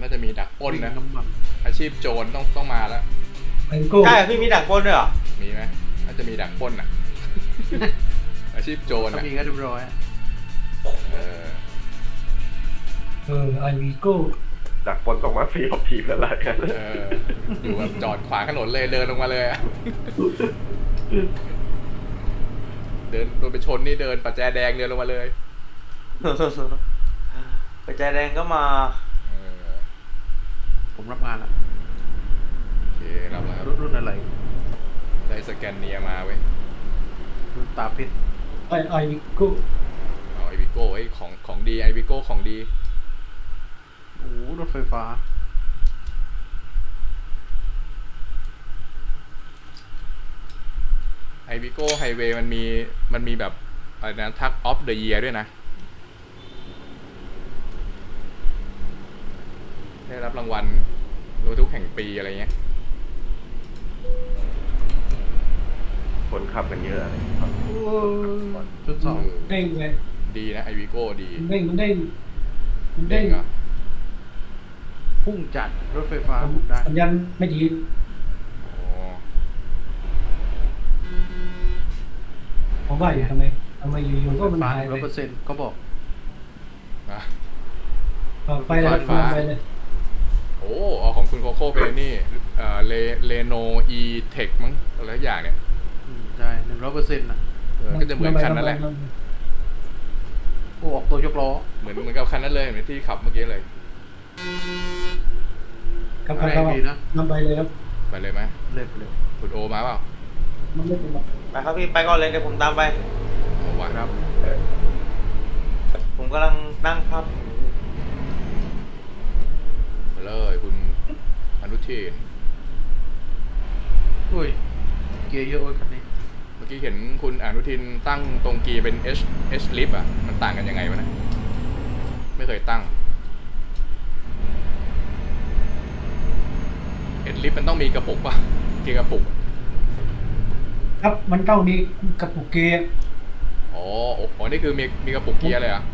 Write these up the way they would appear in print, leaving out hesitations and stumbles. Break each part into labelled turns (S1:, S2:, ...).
S1: น่าจะมีดักปล้นนะ
S2: น้ำมัน
S1: อาชีพโจรต้องมาแล้ว
S3: ไอโก้
S4: ใช่พี่มีดักปล้นด้วยเหรอ
S1: มีไหมน่าจะมีดักปล้นอ่ะ อาชีพโจร
S2: ถ้า
S1: อ่ะ
S2: มีก็เรียบร้อยอะ
S1: เออ
S3: ไอวีโก้
S5: จากปนตกมาฟรีของทีมแล้วล่ะกัน
S1: เอออยู่แบบจอดขวางถนนเลยเดินลงมาเลยอะเดินโดนไปชนนี่เดินปัจแจแดงเดินลงมาเลย
S4: กระจายแดงก็มา
S1: เออ
S2: ผมรับงานละ
S1: โอเครับแล้วครับ
S2: รุ่นอะไร
S1: ได้สแกนเนียมาเว้ย
S2: รุ่นตาเพชร
S3: ไอวีโก้
S1: เอาไอวิโก้ไอ้ของดีไอวิโก้ของดี
S2: โอ้โหรถไฟฟ้า
S1: ไอวิโก้ไฮเวย์มันมีแบบอะไรนะทักออฟเดอะเยียร์ด้วยนะได้รับรางวัลรถทุกแห่งปีอะไรเงี้ย
S5: คนขับกันเยอะอะไร
S2: จุดสอง
S3: เด้งเลย
S1: ดีนะไอวิโก้ดี
S3: มันเด้งมันเด้ง
S1: เด้งเหรอ
S2: พุ่งจัดรถไฟฟ้าบุกได้
S3: สัญญาณไม่ดี
S1: อ๋อ
S3: ผมว่าอยู่ทำไมอยู่ๆก็มัน
S2: ฟ้า
S3: หายไป
S2: 100%เขาบอก
S1: อ่ะ
S3: ไปเลย
S1: ฟ้า
S3: ไปเลย
S1: โอ้เอาของคุณโคโค่เป็นนี่เลโนอีเทคมั้งอะไรสักอย่างเนี่ย
S2: ใช่100%น่ะ
S1: ก็จะเหมือนคันนั่นแหละ
S2: โอ้ออกตัวยกล้อ
S1: เหมือนกับคันนั้นเลยเหมือนที่ขับเมื่อกี้เลย
S3: ครับ
S2: แร
S3: ครั
S2: ง
S3: บ
S2: ดีนะ
S3: นำไปเลยครับ
S1: ไปเลยไหม
S2: เล็บเลย
S1: คุณโอมาเปล่า
S3: มันไม่เป็นไร
S4: ไปครับพี่ไปก่อนเลยเดี๋ยวผมตามไป
S1: โอวะ
S2: ครับ
S4: ผมกำลังนั่งพับ
S1: ไปเลยคุณอนุทิน
S2: อุ้ยเกียร์เยอะเว้ยคันนี้
S1: เมื่อกี้เห็นคุณอนุทินตั้งตรงกีเป็น H lip อ่ะมันต่างกันยังไงวะนะไม่เคยตั้ง H lip มันต้องมีกระปุกป่ะเกียร์กระปุก
S3: ครับมันต้องมีกระปุกเกียร์
S1: อ๋อนี่คือมีกระปุกเกียร์เลยเหรอ่ะ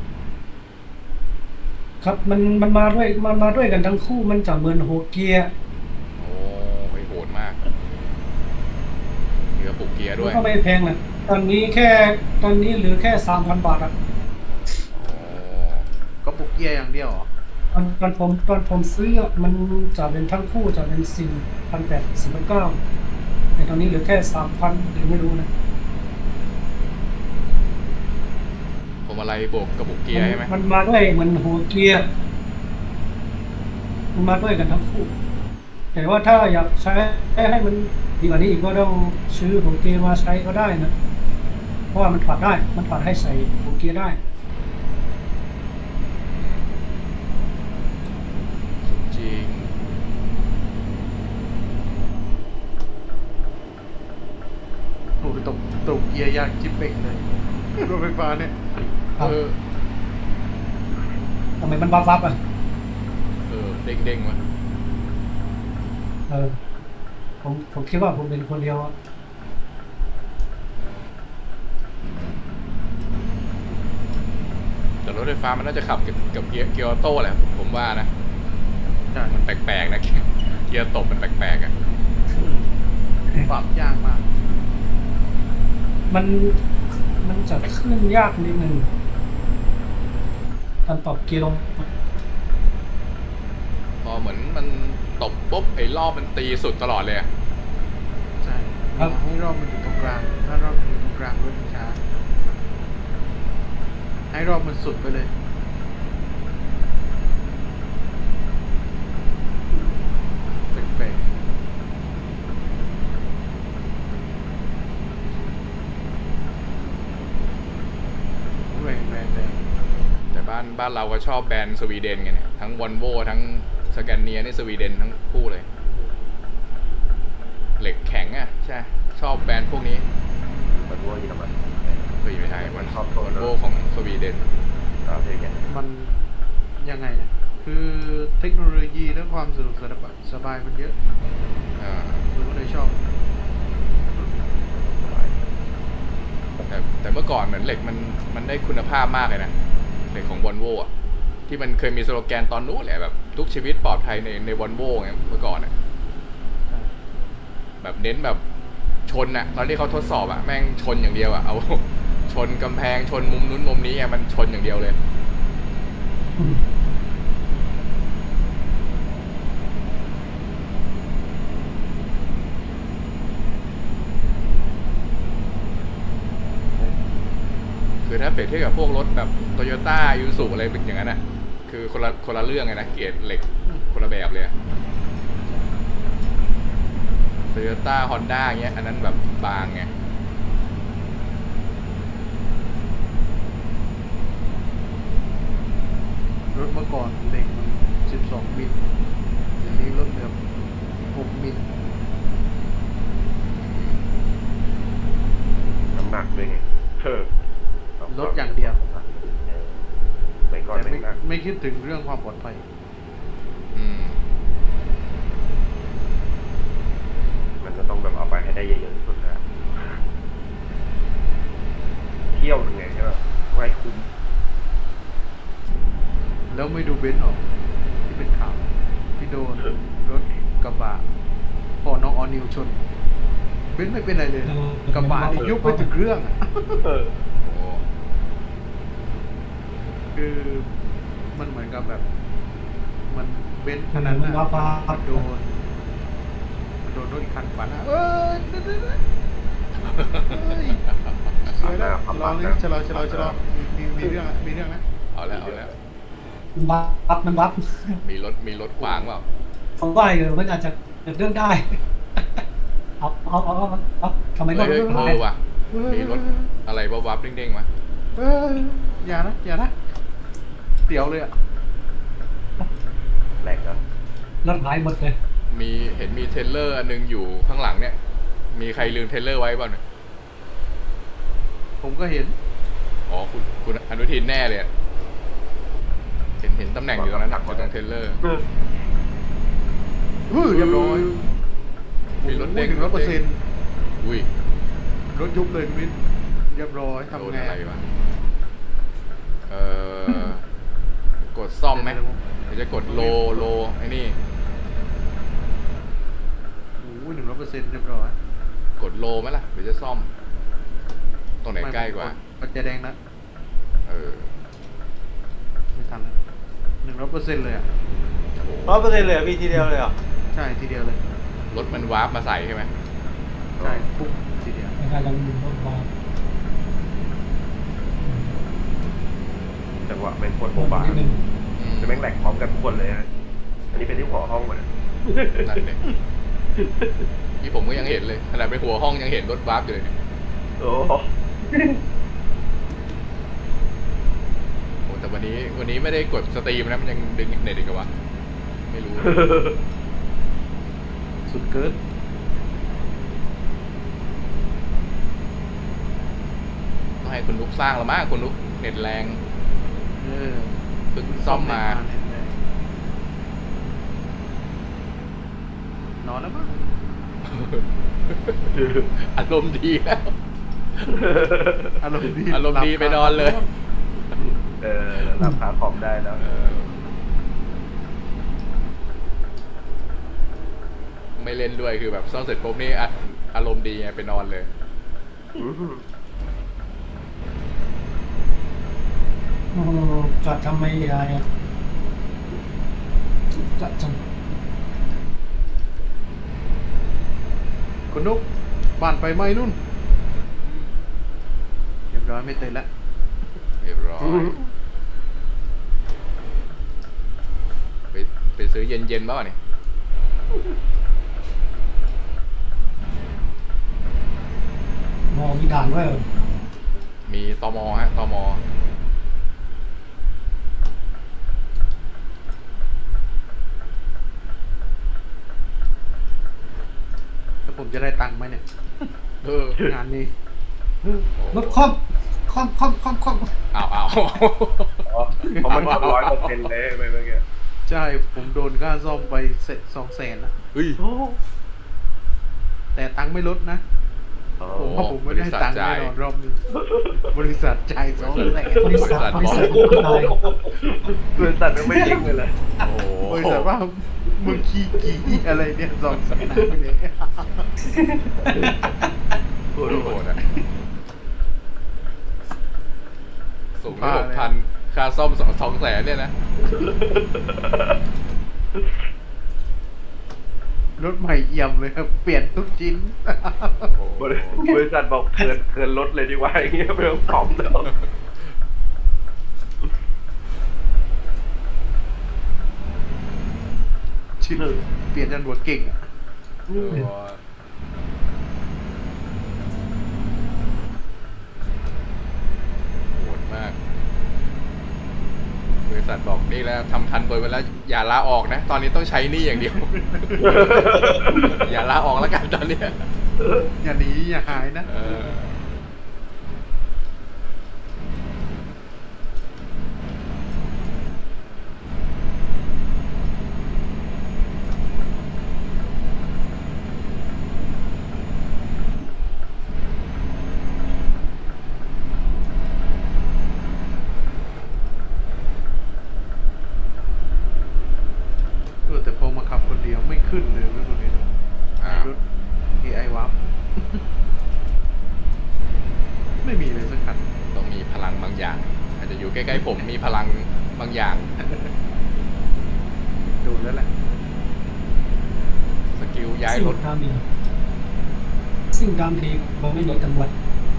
S3: ครับมันมาด้วยกันทั้งคู่มันจะเหมือนหัวเกียร์
S1: โอ้ยโหดมากมีกระปุกเกียร์ด้วย
S3: ก็ไม่แพงนะตอนนี้เหลือแค่ 3,000 บาทอ่ะ
S1: อ๋อ
S2: ก็ปุกเกียร์อย่างเดียวเหรอ
S3: ตอนผมซื้อมันจะเป็นทั้งคู่จะเป็น4,800 4,900แต่ตอนนี้เหลือแค่ 3,000หรือไม่รู้นะ
S1: ผมอะไรบวกกระปุกเกียร์ใช่ไหม
S3: มันมาด้วยเหมือนหัวเกียร์มันมาด้วยกันทั้งคู่ แต่ว่าถ้าอยากใช้ให้มันดีกว่านี้อีกก็ต้องซื้อหัวเกียร์มาใช้ก็ได้นะ เพราะว่ามันถอดได้ มันถอดให้ใส่หัวเกียร์ได้
S1: จริง
S2: โอ้ยตกเกียร์ยากจิ๊บเป่งเลยรถไฟฟ้าเนี่ย
S3: ครับ
S1: เออ
S3: ทำไมมันวับอ่ะ
S1: เด้งวะ
S3: ผมคิดว่าผมเป็นคนเดียวอะ
S1: แต่รถไฟฟ้ามันน่าจะขับกับเกียร์ออโต้แหละผมว่านะ
S2: ใช่
S1: มันแปลกๆนะเกียร์ตบมันแปลกๆอ่ะ
S2: ปรับยากมาก
S3: มันจะขึ้นยากนิดนึงการปรับเกียร์ลง
S1: พอเหมือนมันตบปุ๊บไอ้รอบมันตีสุดตลอดเลยอะ
S2: ใช่ให้รอบมันอยู่ตรงกลางถ้ารอบมันอยู่ตรงกลางรถมันช้าให้รอบมันสุดไปเลยแปลกๆแรง
S1: แต่บ้านเราก็ชอบแบรนด์สวีเดนกันเนี่ยทั้งวอลโวทั้งสแกนเนียนี่สวีเดนทั้งคู่เลย เหล็กแข็งอ่ะใช่ชอบแบรนด์พวกนี้
S5: มันวัวอยู่ทำไม
S1: เฮ้ยไม่ใช่วอลโวของสวีเดน
S5: โอเคแก
S2: มันยังไงนะคือเทคโนโลยีและความสะดวกสบายมันเยอะ
S1: อ่า
S2: เราก็เลยชอบ
S1: แต่เมื่อก่อนเหมือนเหล็กมันได้คุณภาพมากเลยนะเหล็กของวอลโวอ่ะที่มันเคยมีสโลแกนตอนนู้นแหละแบบทุกชีวิตปลอดภัยในวอลโว่ไงเมื่อก่อนอะแบบเน้นแบบชนอะตอนที่เขาทดสอบอะแม่งชนอย่างเดียวอะเอา ชนกำแพงชนมุมนู้นมุมนี้อะมันชนอย่างเดียวเลย คือถ้าเปรียบเทียบกับพวกรถแบบโตโยต้ายูสุอะไรเป็นอย่างนั้นอ่ะ คือคนละเรื่องไงนะ เกรดเหล็กคนละแบบเลยโตโยต้าฮอนด้าเงี้ยอันนั้นแบบบางไง
S2: รถเมื่อก่อนเหล็กมัน12 มิลเดี๋ยวนี้ลดเหลือ6 มิล
S5: น้ำหนักด้วยไง
S2: ลดอย่างเดียว
S5: ไม่ก่อน
S2: แต่
S5: ไม่หนัก
S2: ไม่คิดถึงเรื่องความปลอดภัย
S1: อืม
S5: มันจะต้องแบบเอาไปให้ได้เยอะๆที่สุดนะเที่ยวยังไงใช่ไหมไว้คุ้ม
S2: แล้วไม่ดูเบนซ์ออกที่เป็นข่าวที่โดนรถกระบะพอน้องออนิวชน เบนซ์ไม่เป็นไรเลย กระบะนี่ยุบไปถึงเครื่องอะ
S1: โอ้
S2: คือมันเหมือนกับแบบ มันเบนซ์คันนั้นน่ะมันโดนรถอีกคันขวาหน้าเอ้ยเฮ้ยสวยแล้วรอเลยชะลอมีเรื่องอะมีเรื่องนะ
S1: เอาแล้วเอาแล้ว
S3: มันวับ
S1: มีรถขวางเปล่า
S3: ผมว่ามันอาจจะเกิดเรื่องได้ เอาทำไมรถ
S1: เฮ้ย
S3: ไม่ได้
S1: ว่ะมีรถอะไรวับๆเด้งๆมา
S2: เอ้ยอย่านะเตี๋ยวเลยอ่ะ
S5: แหลกแล้ว
S3: รถหายหมดเลย
S1: เห็นมีเทรลเลอร์อันนึงอยู่ข้างหลังเนี่ย มีใครลืมเทรลเลอร์ไว้บ้างเนี่ย
S2: ผมก็เห็น
S1: อ๋อคุณอนุทินแน่เลยอะเห็นตำแหน่งอยู่ตรงนั้นอยู่ตรงเทรลเลอร์
S2: เรียบร้อย
S1: มีรถเด้ง
S2: 100%
S1: อุ้ย
S2: รถยุบเลยคุณวิทย์เรียบร้อย
S1: โดน
S2: ทำไง
S1: อะไรวะกดซ่อมไหมหรือจะกดโลไอ้นี่
S2: โอ้ย100%เรียบร้อย
S1: กดโลไหมล่ะหรือจะซ่อม ตรงไหนใกล้กว่า
S2: ปัจจัยแดงนะ
S1: เออ
S2: ไม่ทัน100%เลยอ่ะ
S1: โอ้
S4: 100%เลยเหรอพี่ทีเดียวเลยเหรอ
S2: ใช่ทีเดียวเลย
S1: รถมันวาร์ปมาใส่ใช่ไหม
S2: ใช่ปุ๊บทีเดียว
S3: ในการลงรถมา
S5: จังหวะเป็นคน
S3: โด
S5: โบบาน
S3: นิดนึง
S5: จะแม่งแหลกพร้อมกันทุกคนเลยฮะอันนี้เป็นที่หัวห้องหมดอะ
S1: นั่นเลยที่ผมก็ยังเห็นเลยขนาดเป็นหัวห้องยังเห็นรถวาร์ปอยู่เลยเนี่ย
S5: โอ้
S1: โอ้แต่วันนี้ไม่ได้กดสตรีมนะมันยังดึงเน็ตอีกวะไม่รู้
S2: สุดเกิน
S1: ต้องให้คุณนุ๊กสร้างละมั้งคุณนุ๊กเน็ตแรง
S2: เออ
S1: เพิ่งซ่อมมา
S2: นอนแล้วมั้ง
S1: อารมณ์ดีแล้ว
S2: อารมณ์ดี
S1: อารมณ์ดีไปนอนเลย
S5: หลับขาคอมได้แล้ว
S1: ไม่เล่นด้วยคือแบบซ่อมเสร็จปุ๊บนี่อารมณ์ดีไงไปนอนเลย
S3: จอดทำไมอะไรอ่ะจอดทำ
S2: คุณนุ๊กบ้านไฟไหม้นู่นเรียบร้อยไม่เตะแล้ว
S1: เรียบร้อยไปซื้อเย็นๆบ้างเนี่ย
S3: มองมีด่านด้วยเหรอ
S1: มีตมฮะตม
S2: แล้วผมจะได้ตังค์ไหมเนี่ย งานนี้
S3: รถคอม
S1: อ้าว
S5: เพราะมันทำ100%เลยไปเมื่อกี้
S2: ใช่ ผมโดนค่าซ่อมไป200,000นะ
S1: เฮ้ย
S2: แต่ตังค์ไม่ลดนะ
S5: อ๋อ
S2: ผมว่าผมไม่ได้ตังค์แน่นอนรอบนี้บริษัทจ่าย200,000
S3: บริษัทตาย
S5: บริษัทมันไม่จริงเลยเหรอ
S1: โอ้โห
S2: บริษัทว่ามึงขี้กี่อะไรเนี่ย200,000ไปเลย
S5: โอ้
S1: โห
S5: โห
S1: ดอะสูงได้6,000ค่าซ่อม200,000เนี่ยนะ
S2: รถใหม่เอี่ยมเลยครับเปลี่ยนทุกชิ้น
S1: โอ้โห
S5: บริษัทบอกเกินรถเลยดีกว่าอย่างเงี้ยไม่ต้องตอบแล้ว
S2: ชิ้นเปลี่ยนจนหัวเก่งอะ
S1: เออโหดมาก บริษัทบอกนี่แล้วทำทันบนไปแล้ว อย่าลาออกนะ ตอนนี้ต้องใช้หนี่อย่างเดียว อย่าลาออกแล้วกันตอนเนี้ย
S2: อย่าหนีอย่าหายนะ
S1: เออ
S2: แต่พอมาขับคนเดียวไม่ขึ้นเลยรถตัวนี้
S1: อ้าว
S2: รถ AI วับ ไม่มีเลยสักคัน
S1: ต้องมีพลังบางอย่าง อาจจะอยู่ใกล้ๆผมมีพลังบางอย่าง
S2: โดนแล้วแหละ
S1: สกิลย้าย
S3: สิ่ง
S1: รถ
S3: ตามดีสิ่งตามดีผมไม่หนีตำรวจ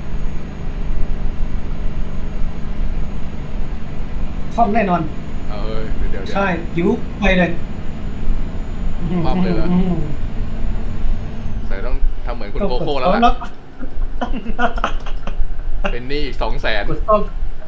S3: คว่ำแน่นอน
S1: เออเดี๋ยว
S3: ใช่ยิ้วไปเลย
S1: คว่ำเลยเหรอ ใส่ต้องทำเหมือนคุณโคโค่แล้ว
S3: แล้
S1: ล่ะ
S3: ว
S1: เป็นหนี้อีก200,000
S3: กดต้อง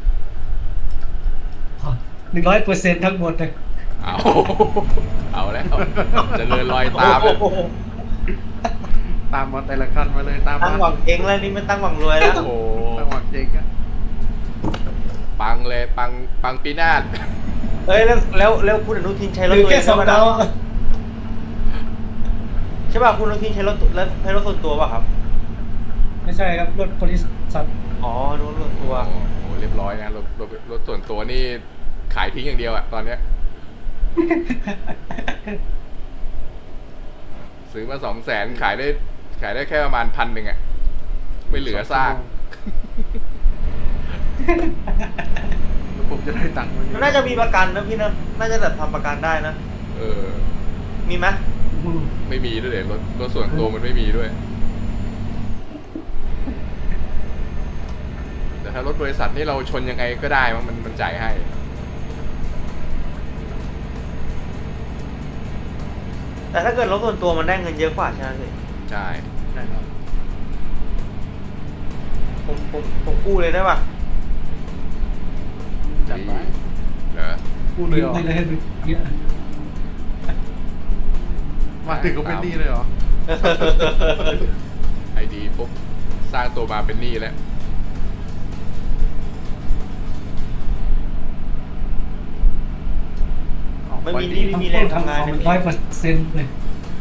S3: 100%ทั้งหมดเลย
S1: เอาแล้วจะเดินลอยตามเลย
S4: โอ้โห
S2: ตามมาแต่ละคันมาเลยตาม
S4: ตั้ง
S2: มา
S4: หวังเจ๊งแล้วนี่ไม่ตั้งหวังรวยแล้ว
S1: โอ้โห
S2: ตั้งหวังเจ๊งอะ
S1: ปังเลยปังปีนาศ
S4: เอ้ยแล้วคุณอนุทินใช้รถ
S3: หรือ
S4: ตัวเอ
S3: แค่
S4: ง
S3: สอง
S4: ใช่
S3: ดา
S4: ปะ
S3: ว
S4: ใช่ป่ะคุณอนุทินใช้รถส่วนตัวป่ะครับ
S3: ไม่ใช่ครับรถบริษัท
S4: อ๋อรถส่วนตัว
S1: โอ้โหเรียบร้อยนะรถส่วนตัวนี่ขายทิ้งอย่างเดียวอะตอนเนี้ย ซื้อมา200,000ขายได้แค่ประมาณ1,000อะไม่เหลือซาก
S2: แล้วผมจะได้ตังค์มา
S4: มันน่าจะมีประกันนะพี่นะน่าจะแบบทำประกันได้นะ
S1: เออ
S4: มีไหม
S1: ไม่มีด้วยเดี๋ยวรถส่วนตัวมันไม่มีด้วย แต่ถ้ารถบริษัทนี่เราชนยังไงก็ได้มันจ่ายให้
S4: แต่ถ้าเกิดรถส่วนตัวมันได้เงินเยอะกว่าใช่ไหมพี่
S1: ใช่
S2: ใช่ครับ
S4: ผมกู้เลยได้ป่ะ
S2: จัดไป
S1: เหรอ
S2: พูดเลยเหรอ
S3: ไม่เลยเยอะ
S2: มาถึงก็เป็นหนี้เลยเหรอ
S1: ไอดีปุ๊บสร้างตัวมาเป็นหนี้แล้ว
S4: ไม่มีหนี่ไม่มีแรงทำงาน
S3: ข
S4: เล
S3: อย 100%เลย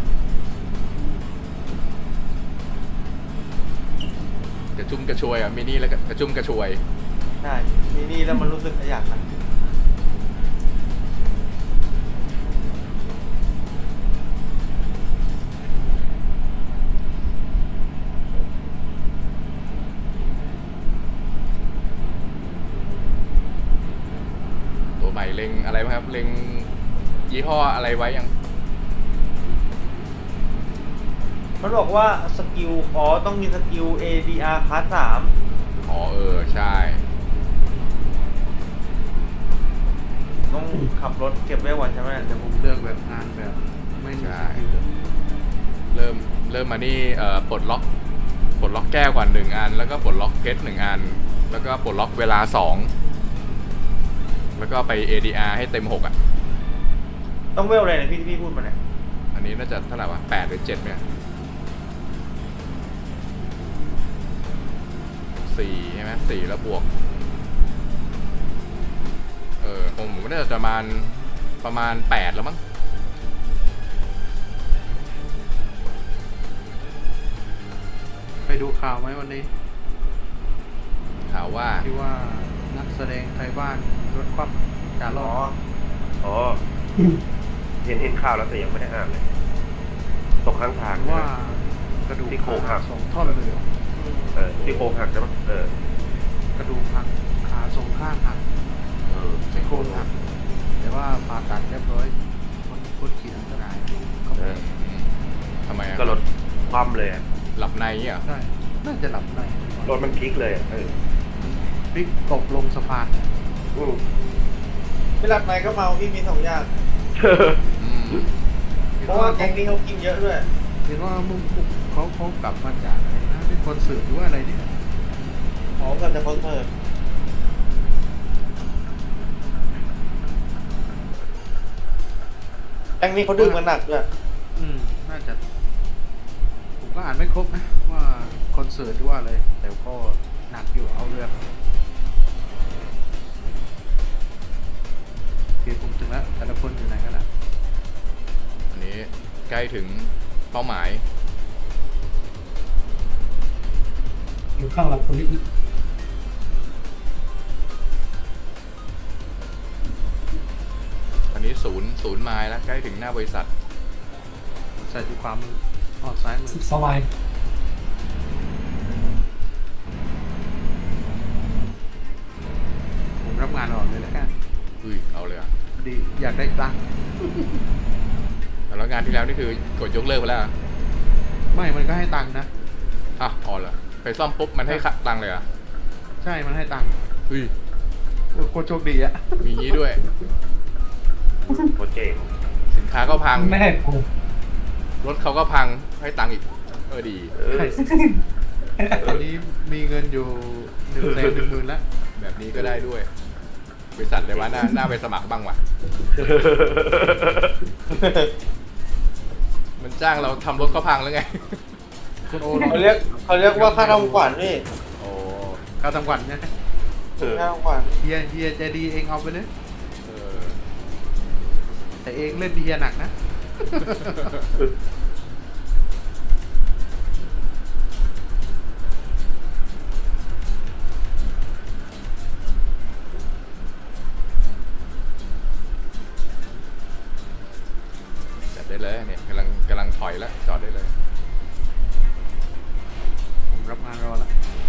S1: กระชุ่มกระชวยอ่ะมีหนี้แล้วก็กระชุ่มกระชวย
S4: ใช่มีหนี่แล้วมันรู้สึกอยากทำ
S1: ตัวใหม่เล็งอะไรบ้างครับเล็งยี่ห้ออะไรไว้ยัง
S4: มันบอกว่าสกิลต้องมีสกิล ADR คลาส
S1: อ๋อใช่
S4: 3ต้องขับรถเก็บไว้วันใช่ไหม
S2: แต่ผมเลือกแบบงานแบบไม่มีสกิล
S1: เริ่มมานี่ปลดล็อกแก้วก่อน1 อัน แล้วก็ปลดล็อกเพชร1 อัน แล้วก็ปลดล็อกเวลา2แล้วก็ไป ADR ให้เต็ม6อ่ะ
S4: ต้องเวลอะไรเนี่ยพี่ที่พี่พูดมาเนี่ย
S1: อันนี้น่าจะเท่าไหร่วะ8 หรือ 7 เนี่ย4ใช่ไหม4แล้วบวกผมน่าจะประมาณ8แล้วมั้ง
S2: ไปดูข่าวไหมวันนี้
S1: ข่าวว่า
S2: ที่ว่านักแสดงไทยบ้านรถคว่ำจาร
S4: อ๋
S2: อ
S4: อ
S2: ด
S5: อ๋อ เห็นข่าวแล้วแต่ยังไม่ได้อ่านเลย ตกข้างทาง
S2: ว่ากระดูก
S5: ที่โครงหั
S2: หั
S5: ก
S2: ก2 ท่อนเลยเหรอ
S5: ที่โครงหักใช่ไหม
S2: กระดูกหักขาสองข้างหักซี่โครงหักแต่ว่าผ่าตัดเรียบร้อยคนขี่อันตรายเขา
S1: ทำไมอะ
S5: ก็รถคว่ำเลยอะ
S1: หลับในเงี้ยเหรอ
S2: ใช่น่าจะหลับใน
S5: รถมันพลิกเลยอะ
S2: พลิกตกลงสะพาน
S5: อืม
S4: ไม่หลับในก็เมาพี่มี2 อย่าง
S1: อืม
S4: เพราะว่าแก๊งนี้เขากินเยอะด้วย
S2: เห็นว่ามึงเขากลับมาจากอะไรนะเป็นคอนเสิร์ตหรือว่าอะไรเนี่ย
S4: หอมกันจะคอนเสิร์ตแก๊งนี้เขาดื่มกันหนักด้วย
S2: น่าจะผมก็อ่านไม่ครบนะว่าคอนเสิร์ตหรือว่าอะไรแต่ก็หนักอยู่เอาเรื่องโอเคผมถึงแล้วแต่ละคนอยู่ไหนกันล่ะ
S1: อันนี้ใกล้ถึงเป้าหมาย
S3: อยู่ข้างหลังคนนิด
S1: อันนี้ศูนย์ไมล์แล้วใกล้ถึงหน้าบริษัท
S2: ใส่ที่ความมือออกซ้ายมือ
S3: 12 ไมล์
S2: ผมรับงานอ่อนเลยแล้วกัน
S1: อุ้ยเอาเลยอ่ะ
S2: พอดีอยากได้ตังค์
S1: แล้วงานที่แล้วนี่คือกดยกเลิกไปแล้วเหรอ
S2: ไม่มันก็ให้ตังค์นะ
S1: อ่ะอ๋อเหรอไปซ่อมปุ๊บมันให้ตังค์เลยเหรอ่ะ
S2: ใช่มันให้ตังค์
S1: อุ้ย
S2: โคตรโชคดีอะ
S1: มีงี้ด้วย
S5: โคตรเจ๋ง
S1: สินค้าก็พัง
S3: ไม่ให้ผม
S1: รถเขาก็พังให้ตังค์อีกดี
S2: ตอนนี้มีเงินอยู่110,000แล้ว
S1: แบบนี้ก็ได้ด้วย บริษัทเลยว่าน่าไปสมัครบ้างว่ะ มันจ้างเราทำรถเขาพังแล้วไง
S2: คุณโอ
S4: เขาเรียกว่าค่าทำขวัญพี่
S1: โอ้
S2: ค่าทำขวัญนะ
S4: ค่าทำขวัญ
S2: เฮียใจดีเองเอาไปเลย
S1: เออ
S2: แต่เองเล่นเฮียหนักนะ
S1: จัดได้เลยเนี่ยกำลังถอยแล้วจอดได้เลย
S2: ผมรับงานรอแล้ว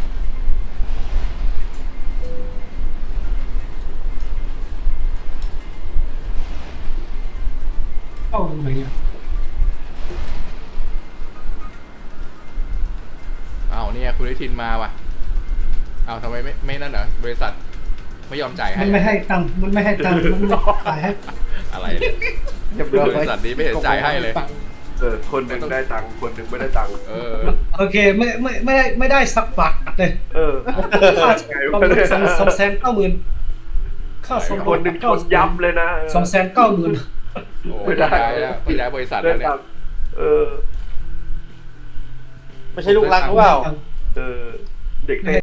S3: เข้าตรงไหนเนี่ย
S1: อ้าวเนี่ยคุณนิทินมาว่ะอ้าวทำไมไม่นั่นเหรอบริษัทไม่ยอมจ่ายให้
S3: มันไม่ให้ตังค์มันไม่ให้ตังค์มันไม่ขายให้
S1: อะไรเนี่ย
S2: เรียบร้อย
S1: บริษัทนี้ไม่เห็นจ่ายให้เลย
S5: คนหนึ่งได้ตังค์คนหนึ่งไม่ได้ตังค์
S1: เออ
S3: โอเคไม่ได้สักบาทเลย ค่า
S5: ไง
S3: ประ
S5: วะ
S3: มา
S5: เนี่
S3: ณ
S5: ย
S3: 290,000ค่าสม
S5: คนหนึ่งชนยับเลยนะ
S3: 290,000
S1: โอ้ยย้ายแล้วย้ายบริษัท
S5: ได้
S1: แล้วเนี่
S5: ตั
S1: ย
S5: งค์
S4: ไม่ใช่ลูกรักหรือเปล่า
S5: เด็กเท